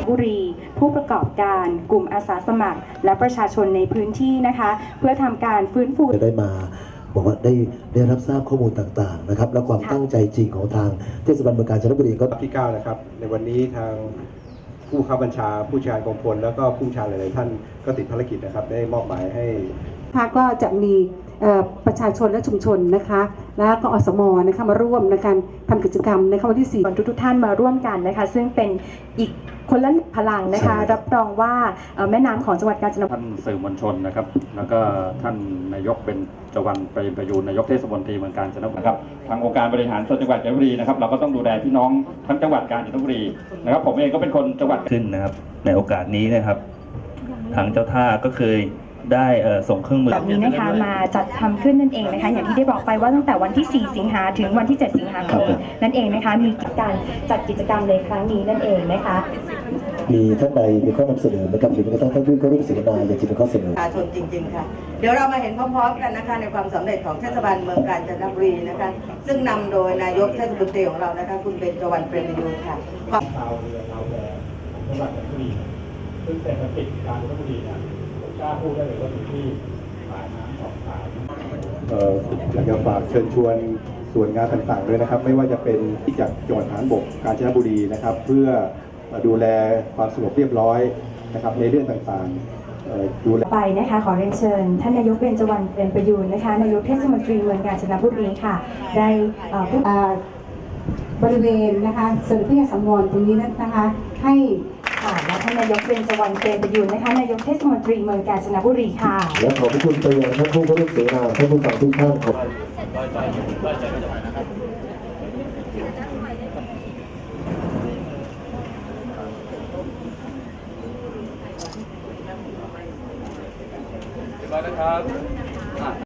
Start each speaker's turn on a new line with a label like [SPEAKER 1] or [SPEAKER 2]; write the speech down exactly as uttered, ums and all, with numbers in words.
[SPEAKER 1] บุรีผู้ประกอบการกลุ่มอาสาสมัครและประชาชนในพื้นที่นะคะเพื่อทำการฟื้นฟู
[SPEAKER 2] ได้มาบอกว่าได้ได้รับทราบข้อมูลต่างๆนะครับและความตั้งใจจริงของทางเทศบาลเมืองกาญจนบุรีก็
[SPEAKER 3] ที่เก้านะครับในวันนี้ทางผู้ข้าบัญชาผู้ชาการกองพลแล้วก็ผู้ชาหลายๆท่านก็ติดภารกิจนะครับได้มอบหมายให้
[SPEAKER 4] ก็จะมีประชาชนและชุมชนนะคะแล้วก็อสมนะคะมาร่วมในการทำกิจกรรมในวันที่สี่
[SPEAKER 1] ทุกท่านมาร่วมกันนะคะซึ่งเป็นอีกคนละพลังนะคะรับรองว่าแม่น้ำของจังหวัดกาญจนบุรี
[SPEAKER 5] ท่านสื่อมวลชนนะครับแล้วก็ท่านนายกเป็นจวันไปประยูนนายกเทศมนตรีเมืองกาญจนบุรีนะครับทางองค์การบริหารส่วนจังหวัดกาญจนบุรีนะครับเราก็ต้องดูแลพี่น้องทั้งจังหวัดกาญจนบุรีนะครับผมเองก็เป็นคนจังหวัด
[SPEAKER 6] ขึ้นนะครับในโอกาสนี้นะครับทางเจ้าท่าก็เคยได้ส่งเครื่องมือ
[SPEAKER 1] แบบนี้นะคะมาจัดทำขึ้นนั่นเองนะคะอย่างที่ได้บอกไปว่าตั้งแต่วันที่สี่สิงหาถึงวันที่เจ็ดสิงหาคมนั่นเองนะคะมีการจัดกิจกรรมในครั้งนี้นั่นเองนะคะ
[SPEAKER 2] มีท่านใดมีข้อนำเสนอไหมครับหรือมีท่านท่านผู้เข้าร่วมเสวนาอยากจะมีข้อเสนอ
[SPEAKER 7] ประชาชนจริงๆค่ะเดี๋ยวเรามาเห็นพร้อมๆกันนะคะในความสำเร็จของเทศบาลเมืองกาญจนบุรีนะคะซึ่งนำโดยนายกเทศมนตรีของเรานะคะคุณเบญจวรรณเปรมประยูรค่ะ
[SPEAKER 5] ชาวเรือชาวแพจังหวัดกาญจนบุรีซึ่งเศรษฐกิจกาญจนบุรีเนี่ยผมกล้าพูดได้เลยว่าอยู่ที่สายน้ำสองสาย
[SPEAKER 3] อยากจะฝากเชิญชวนส่วนงานต่างๆด้วยนะครับไม่ว่าจะเป็นที่จากจังหวัดฐานบกกาญจนบุรีนะครับเพื่อดูแลความสงบเรียบร้อยนะครับในเรื่องต่างๆดูแล
[SPEAKER 1] ไปนะคะขอเรียนเชิญท่านนายกเบญจวรรณเปรมประยูรนะคะนายกเทศมนตรีเมืองกาญจนบุรีค่ะได้
[SPEAKER 4] บริเวณนะคะส่วนที่สังวรตรงนี้นะคะให้
[SPEAKER 1] ค่ะและท่านนายกเบญจวรรณเปรมประยูรนะคะนายกเทศมนตรีเมืองกาญจนบุรีค่ะ
[SPEAKER 2] และขอบคุณไปยังท่านผู้เข้าร่วมเสวนาท่านผู้ฟังทุกท่านครับ
[SPEAKER 5] เรียบร้อยนะครับ